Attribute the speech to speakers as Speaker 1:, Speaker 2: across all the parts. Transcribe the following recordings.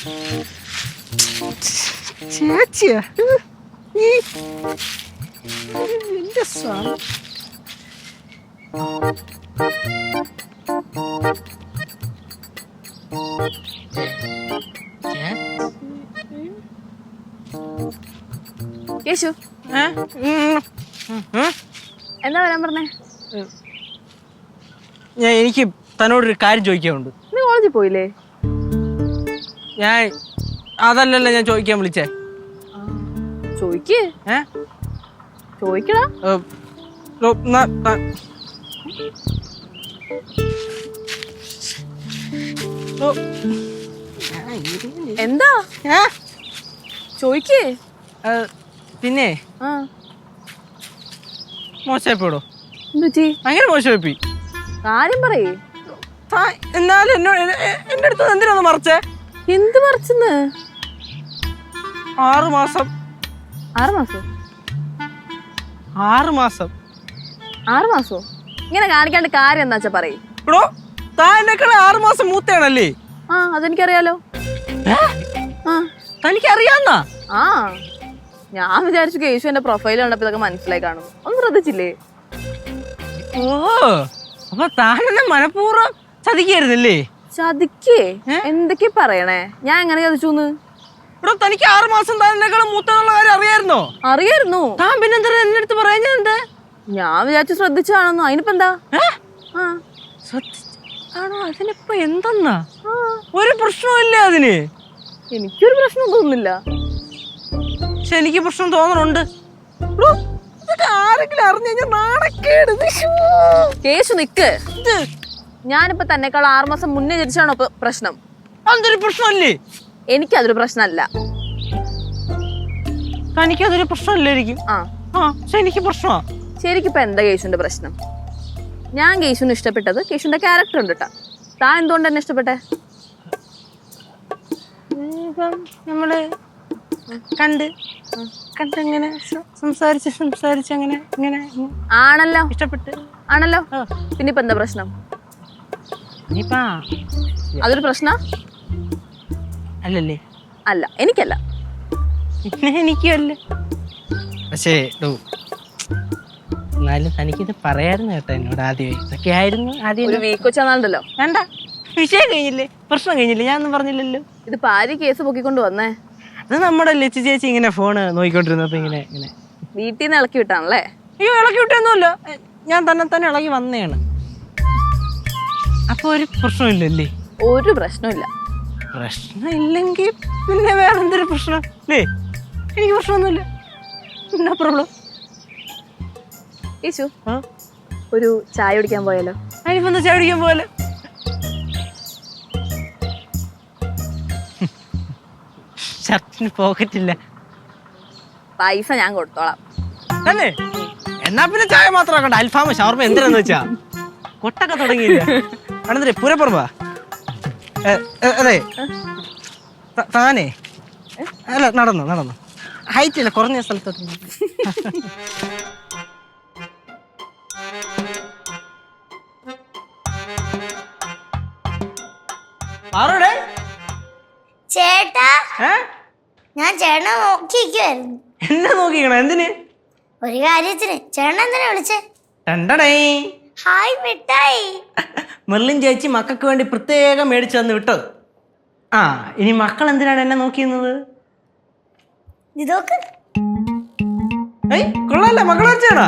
Speaker 1: ചേച്ചിയാ എന്റെ സ്വാമി.
Speaker 2: യേശു എന്താ വരാൻ പറഞ്ഞേ?
Speaker 1: എനിക്ക് തന്നോടൊരു കാര്യം ചോദിക്കാനുണ്ട്.
Speaker 2: നീ കോളേജിൽ പോയില്ലേ?
Speaker 1: ഞാൻ അതല്ലല്ലോ ഞാൻ ചോദിക്കാൻ വിളിച്ചേ.
Speaker 2: ചോദിക്കേ ചോദിക്കടാ. എന്താ ചോദിക്കേ?
Speaker 1: പിന്നെ മോശമായിപ്പോടോ.
Speaker 2: എന്തുപറ്റി?
Speaker 1: ഭയങ്കര മോശമായിപ്പോയി.
Speaker 2: കാര്യം പറയേ.
Speaker 1: എന്നാലും എന്റെ അടുത്ത് എന്തിനാന്ന് മറച്ചേ?
Speaker 2: എന്ത് മറിച്ചെന്ന്?
Speaker 1: 6 മാസം.
Speaker 2: 6 മാസോ?
Speaker 1: 6 മാസം.
Speaker 2: 6 മാസോ? ഇങ്ങനെ കാണിക്കാണ്ട് കാര്യം എന്താ വെച്ചാ പറയേ.
Speaker 1: ബ്രോ താൻ എന്നെക്കാളും 6 മാസം മൂത്തയാണല്ലേ?
Speaker 2: ആ അതെനിക്കറിയാലോ.
Speaker 1: തനിക്കറിയാന്നാ?
Speaker 2: ആ ഞാൻ വിചാരിച്ചു കേശു എന്റെ പ്രൊഫൈൽ കണ്ടപ്പോ ഇതൊക്കെ മനസ്സിലായി കാണും. ഒന്നും ശ്രദ്ധിച്ചില്ലേ?
Speaker 1: ഓ അപ്പൊ താനെന്നെ മനഃപൂർവ്വം ചതിക്കായിരുന്നല്ലേ?
Speaker 2: ചതിക്കേ? എന്തൊക്കെ പറയണേ? ഞാൻ എങ്ങനെ ചതിച്ചൂന്ന്?
Speaker 1: ഇവിടെ തനിക്ക് 6 മാസം താനെക്കാളും മൂത്തെന്നുള്ള കാര്യം അറിയായിരുന്നോ?
Speaker 2: അറിയായിരുന്നു.
Speaker 1: താൻ പിന്നെന്താ എന്റെ അടുത്ത് പറയാഞ്ഞെന്ത്?
Speaker 2: ഞാൻ വിചാരിച്ചു ശ്രദ്ധിച്ചാണെന്നോ. അതിനിപ്പോ എന്താ?
Speaker 1: ആണോ? അതിനിപ്പോ എന്തെന്നാ? ഒരു പ്രശ്നമില്ല അതിന്.
Speaker 2: എനിക്കൊരു പ്രശ്നം തോന്നുന്നില്ല.
Speaker 1: പക്ഷെ എനിക്ക് പ്രശ്നം തോന്നണുണ്ട്. ആരെങ്കിലും അറിഞ്ഞു കഴിഞ്ഞാൽ നാണക്കേട്.
Speaker 2: കേശു നിക്ക്. ഞാനിപ്പോ തന്നെക്കാൾ 6 മാസം മുന്നേ ജനിച്ചാണോ പ്രശ്നം?
Speaker 1: അതൊരു പ്രശ്നമല്ലേ?
Speaker 2: എനിക്കതൊരു പ്രശ്നമല്ല.
Speaker 1: തനിക്കതൊരു പ്രശ്നമല്ലായിരിക്കും. പക്ഷെ എനിക്ക് പ്രശ്നമാ.
Speaker 2: ശരിക്കിപ്പോ എന്താ കേശുവിന്റെ പ്രശ്നം? ഞാൻ കേശുവിന് ഇഷ്ടപ്പെട്ടത് കേശുവിന്റെ ക്യാരക്ടർ ഉണ്ട് കേട്ടാ. താൻ എന്തുകൊണ്ട് എന്നെ ഇഷ്ടപ്പെട്ടെ?
Speaker 1: നമ്മള് കണ്ടിങ്ങനെ സംസാരിച്ച് അങ്ങനെ
Speaker 2: ആണല്ലോ.
Speaker 1: ഇഷ്ടപ്പെട്ട്
Speaker 2: ആണല്ലോ. പിന്നെ ഇപ്പൊ എന്താ പ്രശ്നം? അതൊരു പ്രശ്ന
Speaker 1: അല്ലല്ലേ?
Speaker 2: അല്ല, എനിക്കല്ല.
Speaker 1: പിന്നെ എനിക്കല്ല. പക്ഷേ എന്നാലും തനിക്കിത് പറയായിരുന്നു കേട്ടോ എന്നോട് ആദ്യമേ. ഇതൊക്കെ ആയിരുന്നു ആദ്യം.
Speaker 2: ഒരു വീക്ക് വെച്ചാണല്ലോ.
Speaker 1: വേണ്ട, വിഷയം കഴിഞ്ഞില്ലേ, പ്രശ്നം കഴിഞ്ഞില്ലേ, ഞാനൊന്നും പറഞ്ഞില്ലല്ലോ.
Speaker 2: ഇത് പാരി കേസ് പൊക്കിക്കൊണ്ട് വന്നേ.
Speaker 1: അത് നമ്മുടെ ലച്ചു ചേച്ചി ഇങ്ങനെ ഫോണ് നോക്കിക്കൊണ്ടിരുന്നപ്പോ ഇങ്ങനെ
Speaker 2: വീട്ടിൽ നിന്ന് ഇളക്കി വിട്ടാണല്ലേ?
Speaker 1: അയ്യോ ഇളക്കി വിട്ടൊന്നുമില്ല, ഞാൻ തന്നെ ഇളകി വന്നതാണ്. അപ്പൊ ഒരു പ്രശ്നമില്ലല്ലേ?
Speaker 2: ഒരു പ്രശ്നമില്ല.
Speaker 1: പ്രശ്നം ഇല്ലെങ്കിൽ പിന്നെ വേറെ എന്തൊരു പ്രശ്നം അല്ലേ? എനിക്ക് പ്രശ്നമൊന്നുമില്ല. എന്നാ പ്രോബ്ലം?
Speaker 2: യേശു ഒരു ചായ കുടിക്കാൻ പോയാലോ?
Speaker 1: അതിനിപ്പോ എന്താ ചായ കുടിക്കാൻ പോയാലോ? ഷർട്ടിന് പോക്കറ്റില്ല.
Speaker 2: പൈസ ഞാൻ കൊടുത്തോളാം.
Speaker 1: അല്ലേ? എന്നാ പിന്നെ ചായ മാത്രം ആക്കണ്ട, അൽഫാമ ഷവർമ എന്തിനാന്ന് വെച്ചാ കൊട്ടൊക്കെ തുടങ്ങിയില്ല. ആണെന്നേ പൂരപ്പുറമ്പാ. അതെ താനേ അല്ല നടന്നു ഹൈറ്റ് ഇല്ല, കുറഞ്ഞ സ്ഥലത്തോട്ട്.
Speaker 3: ചേട്ടാ, ഞാൻ ചേട്ടനെ നോക്കിയിരിക്കുവായിരുന്നു.
Speaker 1: എന്നെ നോക്കിക്കണ എന്തിന്?
Speaker 3: ഒരു കാര്യത്തിന്. ചേട്ടൻ എന്തിനാ വിളിച്ചേ?
Speaker 1: ഹായ്
Speaker 3: മിഠായി.
Speaker 1: മെർലിൻ ചേച്ചി മക്കൾക്ക് വേണ്ടി പ്രത്യേകം മേടിച്ചു തന്ന് വിട്ടത്. ഇനി മക്കൾ എന്തിനാണ് എന്നെ നോക്കിയിരുന്നത്?
Speaker 3: ഇതൊക്കെ
Speaker 1: കൊള്ളാല്ല, മക്കളെ വെച്ചാടാ.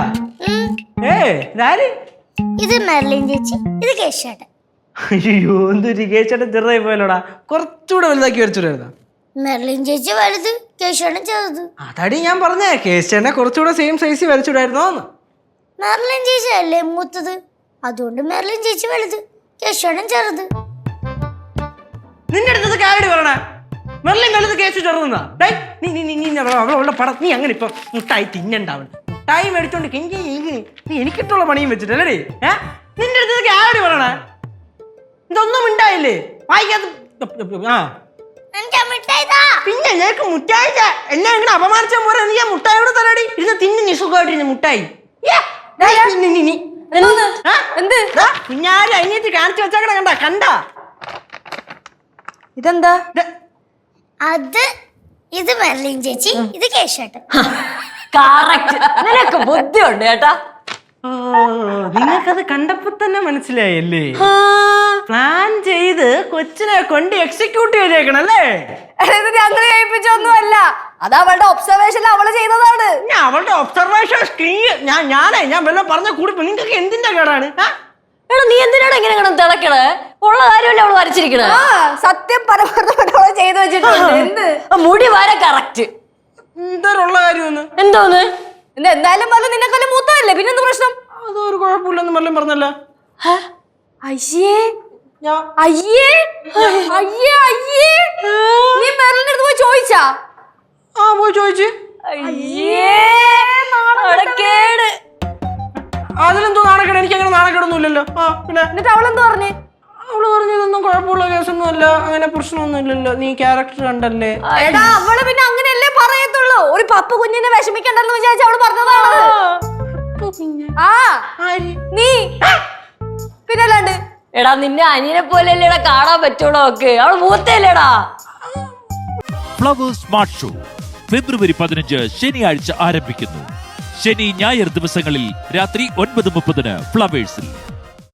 Speaker 3: ഇത് മെർലിൻ ചേച്ചി, ഇത് കേശേട്ടൻ.
Speaker 1: അയ്യോ എന്തൊരു കേശേട്ടൻ ചെറുതായി പോയല്ലോടാ, കുറച്ചുകൂടെ വലുതാക്കി വരച്ചിട്ടായിരുന്ന.
Speaker 3: മെർലിൻ ചേച്ചി വലുത്, കേശേട്ടൻ ചെറുത്.
Speaker 1: അതടി ഞാൻ പറഞ്ഞേ, കേശേട്ടനെ കുറച്ചുകൂടെ സെയിം സൈസ് വരച്ചിടായിരുന്നോന്ന്.
Speaker 3: മെർലിൻ ചേച്ചി അല്ലേ മൂത്തത്, അതുകൊണ്ട് മെർലിൻ ചേച്ചി വലുത്, കേശേട്ടൻ ചെറുത്.
Speaker 1: നിന്റെ അടുത്തത് കാര്യം പറയണേ, മെർലിൻ വലുത് കേശു ചെറുതെന്നാ? അവളുടെ പടം നീ അങ്ങനെ ഇപ്പൊ മുട്ടായി തിന്നണ്ടാവണം. മുട്ടായി മേടിച്ചോണ്ട് നീ എനിക്കിട്ടുള്ള പണിയും വെച്ചിട്ടല്ലേ? നിന്റെ അടുത്തത് കാര്യം പറയണേ, ഇതൊന്നും ഉണ്ടായില്ലേ വായിക്കാത്ത? പിന്നെ ഞങ്ങൾക്ക് മുട്ടായി എന്നെ എങ്ങനെ അപമാനിച്ചാൽ പോരാ? നീ ആ മുട്ടായിയോട് തലടി ഇരുന്ന് തിന്ന് നിസുഖമായിട്ടിരുന്ന മുട്ടായി. കുഞ്ഞാരും അനിയത്തി കാണിച്ചു വെച്ചാക്കണ കണ്ട?
Speaker 2: ഇതെന്താ?
Speaker 3: ഇത് മെർലിൻ ചേച്ചി, ഇത് കേശുവേട്ടൻ.
Speaker 4: കറക്റ്റ്. നിനക്ക് ബുദ്ധിയുണ്ട് കേട്ടാ.
Speaker 1: ഓ, നിങ്ങൾക്കത് കണ്ടപ്പോ തന്നെ മനസ്സിലായല്ലേ? പ്ലാൻ ചെയ്ത് കൊച്ചിനെ കൊണ്ട് എക്സിക്യൂട്ട് ചെയ്തേക്കണല്ലേ?
Speaker 4: ഞങ്ങൾ ചെയ്യിപ്പിച്ചൊന്നുമല്ല, അത് അവളുടെ ഒബ്സർവേഷൻ അവള് ചെയ്തതാണ്.
Speaker 1: ഞാൻ അവളുടെ ഒബ്സർവേഷൻ ഞാൻ വല്ലതും പറഞ്ഞ കൂടി നിങ്ങൾക്ക് എന്തിന്റെ കേടാണ്?
Speaker 4: എടാ നീ എന്തിനാണ് ഇങ്ങനെ കിടന്ന് തിളക്കണേ? ഉള്ള കാര്യമല്ലേ അവള് വരച്ചിരിക്കണേ.
Speaker 2: സത്യം പരമാർത്ഥമായിട്ട് ചെയ്തു വെച്ചിട്ടുണ്ട്. എന്ത്
Speaker 4: മുടി വരെ കറക്റ്റ്.
Speaker 1: എന്തോരുള്ള കാര്യമൊന്ന്
Speaker 4: എന്തോന്ന്?
Speaker 2: എന്തായാലും പറഞ്ഞ നിന്നെക്കാളും മൂത്തതല്ലേ, പിന്നെന്ത് പ്രശ്നം?
Speaker 1: അതൊരു കുഴപ്പമില്ലെന്ന് വല്ലതും പറഞ്ഞല്ല.
Speaker 4: അയ്യേ
Speaker 1: ഞാൻ
Speaker 2: അയ്യേ അയ്യേ അയ്യേ, നീ മെർലിന്റെ അടുത്ത് പോയി ചോദിച്ചാ?
Speaker 1: പോയി ചോദിച്ചു.
Speaker 4: അയ്യേ നാണക്കേട്.
Speaker 1: അതിലെന്തോ നാണക്കേട്? എനിക്ക് അങ്ങനെ നാണക്കേടൊന്നുമില്ലല്ലോ. പിന്നെ
Speaker 2: എന്നിട്ട് അവളെന്ത് പറഞ്ഞേ?
Speaker 1: അവള് പറഞ്ഞതൊന്നും കുഴപ്പമുള്ള കേസൊന്നും അല്ല, അങ്ങനെ പ്രശ്നമൊന്നും ഇല്ലല്ലോ, നീ ക്യാരക്ടർ കണ്ടല്ലേ.
Speaker 2: എടാ അവള് പിന്നെ അങ്ങനെയല്ലേ പറയത്തുള്ളൂ. ഒരു പപ്പ കുഞ്ഞിനെ വിഷമിക്കണ്ടെന്ന് വിചാരിച്ച അവള് പറഞ്ഞതാണ്. നീ പിന്നല്ലാണ്ട്.
Speaker 4: എടാ നിന്നെ അനിയനെ പോലെയല്ലേടാ കാണാൻ പറ്റുള്ളൂ. ഒക്കെ അവള് മൂത്തല്ലേടാ.
Speaker 5: ഫ്ലവേഴ്സ് സ്മാർട്ട് ഷോ ഫെബ്രുവരി 15 ശനിയാഴ്ച ആരംഭിക്കുന്നു. ശനി ഞായർ ദിവസങ്ങളിൽ രാത്രി 9:30 ഫ്ലവേഴ്സിൽ.